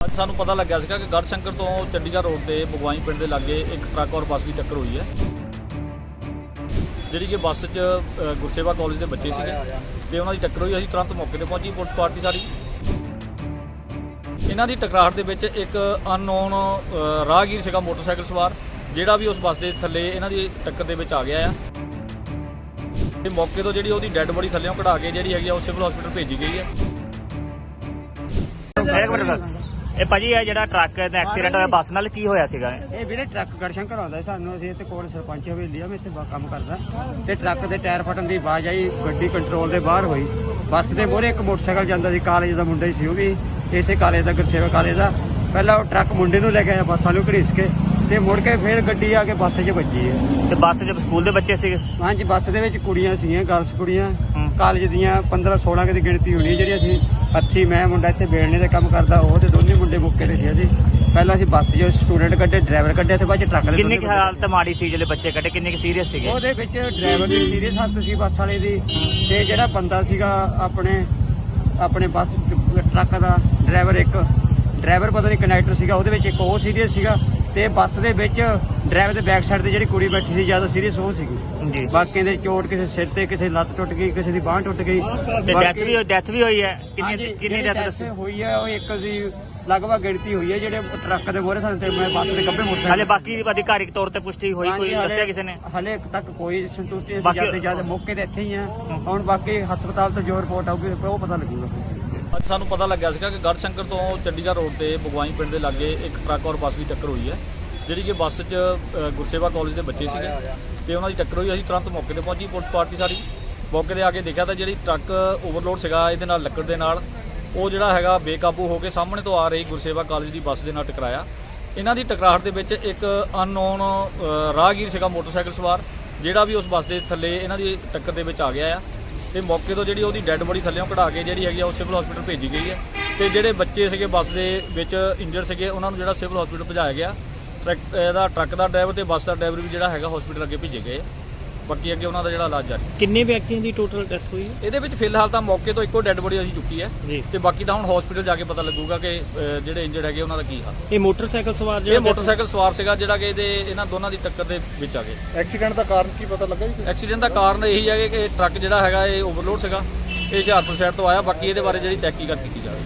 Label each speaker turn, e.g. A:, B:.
A: ਸਾਨੂੰ ਪਤਾ ਲੱਗਿਆ ਸੀਗਾ ਕਿ ਗੜਸ਼ੰਕਰ ਤੋਂ ਚੰਡੀਗੜ੍ਹ ਰੋਡ ਤੇ ਬਗਵਾਈ ਪਿੰਡ ਦੇ ਲਾਗੇ ਇੱਕ ਟਰੱਕ ਔਰ ਬੱਸ ਦੀ ਟੱਕਰ ਹੋਈ ਹੈ, ਜਿਹੜੀ ਕਿ ਬੱਸ 'ਚ ਗੁਰਸੇਵਾ ਕਾਲਜ ਦੇ ਬੱਚੇ ਸੀਗੇ ਤੇ ਉਹਨਾਂ ਦੀ ਟੱਕਰ ਹੋਈ। ਅਸੀਂ ਤੁਰੰਤ ਮੌਕੇ ਤੇ ਪਹੁੰਚੀ ਪੁਲਿਸ ਪਾਰਟੀ ਸਾਰੀ। ਇਹਨਾਂ ਦੀ ਟਕਰਾਹਟ ਦੇ ਵਿੱਚ ਇੱਕ ਅਨਨੋਨ ਰਾਹਗੀਰ ਸੀਗਾ ਮੋਟਰਸਾਈਕਲ ਸਵਾਰ, ਜਿਹੜਾ ਵੀ ਉਸ ਬੱਸ ਦੇ ਥੱਲੇ ਇਹਨਾਂ ਦੀ ਟੱਕਰ ਦੇ ਵਿੱਚ ਆ ਗਿਆ ਆ ਤੇ ਮੌਕੇ ਤੋਂ ਜਿਹੜੀ ਉਹਦੀ ਡੈੱਡ ਬੋਡੀ ਥੱਲੇੋਂ ਕਢਾ ਕੇ ਜਿਹੜੀ ਹੈਗੀ ਆ ਉਹ ਸਿਵਲ ਹਸਪੀਟਲ ਭੇਜੀ ਗਈ ਹੈ।
B: ਇਹ ਭਾਜੀ ਇਹ ਜਿਹੜਾ ਟਰੱਕ ਦਾ ਐਕਸੀਡੈਂਟ ਹੋਇਆ ਬੱਸ ਨਾਲ ਕੀ ਹੋਇਆ ਸੀਗਾ?
C: ਇਹ ਵੀਰੇ ਟਰੱਕ ਗੜਸ਼ੰਕਰ ਆਉਂਦਾ ਸਾਨੂੰ, ਅਸੀਂ ਇੱਥੇ ਕੋਲ ਸਰਪੰਚ ਹਵੇਲੀ ਆ, ਮੈਂ ਇੱਥੇ ਕੰਮ ਕਰਦਾ ਤੇ ਟਰੱਕ ਦੇ ਟਾਇਰ ਫਟਣ ਦੀ ਆਵਾਜ਼ ਆਈ, ਗੱਡੀ ਕੰਟਰੋਲ ਦੇ ਬਾਹਰ ਹੋਈ। ਬੱਸ ਦੇ ਮੋਹਰੇ ਇੱਕ ਮੋਟਰਸਾਈਕਲ ਜਾਂਦਾ ਸੀ, ਕਾਲਜ ਦਾ ਮੁੰਡਾ ਹੀ ਸੀ, ਉਹ ਵੀ ਇਸੇ ਕਾਲਜ ਦਾ, ਗੁਰਸੇਵਾ ਕਾਲਜ ਦਾ। ਪਹਿਲਾਂ ਉਹ ਟਰੱਕ ਮੁੰਡੇ ਨੂੰ ਲੈ ਕੇ ਆਇਆ ਬੱਸਾਂ ਨੂੰ ਘੜੀਸ ਕੇ ਤੇ ਮੁੜ ਕੇ ਫਿਰ ਗੱਡੀ ਆ ਕੇ ਬੱਸ 'ਚ ਵੱਜੀ ਹੈ।
B: ਤੇ ਬੱਸ 'ਚ ਸਕੂਲ ਦੇ ਬੱਚੇ ਸੀਗੇ?
C: ਹਾਂਜੀ, ਬੱਸ ਦੇ ਵਿੱਚ ਕੁੜੀਆਂ ਸੀਗੀਆਂ, ਗਰਲਸ ਕੁੜੀਆਂ ਕਾਲਜ ਦੀਆਂ 15-16 ਦੀ ਗਿਣਤੀ ਹੋਣੀ, ਜਿਹੜੀ ਅਸੀਂ ਹੱਥੀ ਮੈਂ ਮੁੰਡਾ ਇੱਥੇ ਬੇਲਣੇ ਦੇ ਕੰਮ ਕਰਦਾ, ਉਹ ਤੇ ਦੋਨੇ ਮੁੰਡੇ ਮੁੱਕੇ ਦੇ ਸੀ। ਅਸੀਂ ਪਹਿਲਾਂ ਅਸੀਂ ਬੱਸ 'ਚ ਸਟੂਡੈਂਟ ਕੱਢੇ, ਡਰਾਈਵਰ ਕੱਢਿਆ ਤੇ ਬਾਅਦ 'ਚ ਟਰੱਕ ਦੇ।
B: ਕਿੰਨੀ ਕੁ ਹਾਲਤ ਮਾੜੀ ਸੀ ਜਿਹੜੇ ਬੱਚੇ ਕੱਢੇ, ਕਿੰਨੇ ਕੁ ਸੀਰੀਅਸ ਸੀਗੇ?
C: ਉਹਦੇ ਵਿੱਚ ਡਰਾਈਵਰ ਦੀ ਸੀਰੀਅਸ ਹਾਲਤ ਸੀ ਬੱਸ ਵਾਲੇ ਦੀ, ਤੇ ਜਿਹੜਾ ਬੰਦਾ ਸੀਗਾ ਆਪਣੇ ਬੱਸ ਟਰੱਕ ਦਾ ਡਰਾਈਵਰ ਪਤਾ ਨਹੀਂ ਕੰਡਕਟਰ ਸੀਗਾ, ਉਹਦੇ ਵਿੱਚ ਇੱਕ ਉਹ ਸੀਰੀਅਸ ਸੀਗਾ ਤੇ ਬੱਸ ਦੇ ਵਿੱਚ ਡਰਾਈਵਰ ਦੇ ਬੈਕ ਸਾਈਡ ਤੇ ਜਿਹੜੀ ਕੁੜੀ ਬੈਠੀ ਸੀ ਜ਼ਿਆਦਾ ਸੀਰੀਅਸ ਉਹ ਸੀਗੀ
B: ਜੀ।
C: ਬਾਕੀ ਦੇ ਚੋਟ ਕਿਸੇ ਸਿਰ ਤੇ, ਕਿਸੇ ਲੱਤ ਟੁੱਟ ਗਈ, ਕਿਸੇ ਦੀ ਬਾਂਹ ਟੁੱਟ ਗਈ
B: ਤੇ ਡੈਥ ਵੀ ਹੋਈ ਹੈ? ਕਿੰਨੀ ਡੈਥ
C: ਹੋਈ ਹੈ? ਉਹ ਇੱਕ ਦੀ ਲਗਭਗ ਗਿਣਤੀ ਹੋਈ ਹੈ, ਜਿਹੜੇ ਟਰੱਕ ਦੇ ਮੋਹਰੇ ਸਾਨੂੰ ਤੇ ਮੈਂ ਬੱਸ ਦੇ ਕੱਪੇ ਮੋਟਰਸਾਈਕਲ।
B: ਹਾਲੇ ਬਾਕੀ ਅਧਿਕਾਰਿਕ ਤੌਰ ਤੇ ਪੁਸ਼ਟੀ ਹੋਈ, ਕੋਈ ਦੱਸਿਆ ਕਿਸੇ ਨੇ?
C: ਹਲੇ ਤੱਕ ਕੋਈ ਸੰਤੁਸ਼ਟੀ ਨਹੀਂ, ਜਿਆਦਾ ਮੌਕੇ ਤੇ ਇੱਥੇ ਹੀ ਆ। ਹੁਣ ਬਾਕੀ ਹਸਪਤਾਲ ਤੋਂ ਜੋ ਰਿਪੋਰਟ ਆਊਗੀ ਉਹ ਪਤਾ ਲੱਗੂਗਾ।
A: ਅੱਜ ਸਾਨੂੰ ਪਤਾ ਲੱਗਿਆ ਸੀਗਾ ਕਿ ਗੜਸ਼ੰਕਰ ਤੋਂ ਚੰਡੀਗੜ੍ਹ ਰੋਡ ਤੇ ਬਗਵਾਈ ਪਿੰਡ ਦੇ ਲਾਗੇ ਇੱਕ ਟਰੱਕ ਔਰ ਬੱਸ ਦੀ ਟੱਕਰ ਹੋਈ ਹੈ, ਜਿਹੜੀ ਕਿ ਬੱਸ 'ਚ ਗੁਰਸੇਵਾ ਕਾਲਜ ਦੇ ਬੱਚੇ ਸੀਗੇ ਤੇ ਉਹਨਾਂ ਦੀ ਟੱਕਰ ਹੋਈ। ਅਸੀਂ ਤੁਰੰਤ ਮੌਕੇ ਤੇ ਪਹੁੰਚੀ ਪੁਲਿਸ ਪਾਰਟੀ ਸਾਰੀ। ਮੌਕੇ ਤੇ ਆ ਕੇ ਦੇਖਿਆ ਤਾਂ ਜਿਹੜੀ ਟਰੱਕ ਓਵਰਲੋਡ ਸੀਗਾ ਇਹਦੇ ਨਾਲ ਲੱਕੜ ਦੇ ਨਾਲ, ਉਹ ਜਿਹੜਾ ਹੈਗਾ ਬੇਕਾਬੂ ਹੋ ਕੇ ਸਾਹਮਣੇ ਤੋਂ ਆ ਰਹੀ ਗੁਰਸੇਵਾ ਕਾਲਜ ਦੀ ਬੱਸ ਦੇ ਨਾਲ ਟਕਰਾਇਆ। ਇਹਨਾਂ ਦੀ ਟਕਰਾਹਟ ਦੇ ਵਿੱਚ ਇੱਕ ਅਨਨੋਨ ਰਾਹਗੀਰ ਸੀਗਾ ਮੋਟਰਸਾਈਕਲ ਸਵਾਰ, ਜਿਹੜਾ ਵੀ ਉਸ ਬੱਸ ਦੇ ਥੱਲੇ ਇਹਨਾਂ ਦੀ ਟੱਕਰ ਦੇ ਵਿੱਚ ਆ ਗਿਆ ਆ ਤੇ ਮੌਕੇ ਤੋਂ ਜਿਹੜੀ ਉਹਦੀ ਡੈੱਡ ਬੋਡੀ ਥੱਲੇੋਂ ਕਢਾ ਕੇ ਜਿਹੜੀ ਹੈਗੀ ਆ ਉਹ ਸਿਵਲ ਹਸਪੀਟਲ ਭੇਜੀ ਗਈ ਹੈ। ਤੇ ਜਿਹੜੇ ਬੱਚੇ ਸੀਗੇ ਬੱਸ ਦੇ ਵਿੱਚ ਇੰਜਰਡ ਸੀਗੇ, ਉਹਨਾਂ ਨੂੰ ਜਿਹੜਾ ਸਿਵਲ ਹਸਪੀਟਲ ਭਜਾਇਆ ਗਿਆ। ਟਰੱਕ ਦਾ ਡਰਾਈਵਰ ਤੇ ਬੱਸ ਦਾ ਡਰਾਈਵਰ ਵੀ ਜਿਹੜਾ ਹੈਗਾ ਹਸਪੀਟਲ ਅੱਗੇ ਭੇਜੇ ਗਏ। ਬਾਕੀ ਅੱਗੇ ਉਹਨਾਂ ਦਾ ਜਿਹੜਾ ਇਲਾਜ ਜਾਰੀ।
B: ਕਿੰਨੇ ਵਿਅਕਤੀਆਂ ਦੀ ਟੋਟਲ ਡੈਥ ਹੋਈ ਹੈ?
A: ਇਹਦੇ ਵਿੱਚ ਫਿਲਹਾਲ ਤਾਂ ਮੌਕੇ ਤੋਂ ਇੱਕੋ ਡੈੱਡ ਬੋਡੀ ਅਸੀਂ ਚੁੱਕੀ ਹੈ
B: ਜੀ,
A: ਤੇ ਬਾਕੀ ਤਾਂ ਹੁਣ ਹਸਪੀਟਲ ਜਾ ਕੇ ਪਤਾ ਲੱਗੂਗਾ ਕਿ ਜਿਹੜੇ ਇੰਜਰਡ ਹੈਗੇ ਉਹਨਾਂ ਦਾ ਕੀ ਹਾਲ।
B: ਇਹ ਮੋਟਰਸਾਈਕਲ ਸਵਾਰ
A: ਇਹ ਮੋਟਰਸਾਈਕਲ ਸਵਾਰ ਸੀਗਾ ਜਿਹੜਾ ਕਿ ਇਹਨਾਂ ਦੋਨਾਂ ਦੀ ਟੱਕਰ ਦੇ ਵਿੱਚ ਆ ਗਏ।
D: ਐਕਸੀਡੈਂਟ ਦਾ ਕਾਰਨ ਕੀ ਪਤਾ ਲੱਗਾ ਜੀ?
A: ਐਕਸੀਡੈਂਟ ਦਾ ਕਾਰਨ ਇਹੀ ਹੈ ਕਿ ਟਰੱਕ ਜਿਹੜਾ ਹੈਗਾ ਇਹ ਓਵਰਲੋਡ ਸੀਗਾ, ਇਹ ਹੁਸ਼ਿਆਰਪੁਰ ਸਾਈਡ ਤੋਂ ਆਇਆ। ਬਾਕੀ ਇਹਦੇ ਬਾਰੇ ਜਿਹੜੀ ਤਹਿਕੀਕਾਤ ਕੀਤੀ ਜਾਵੇ।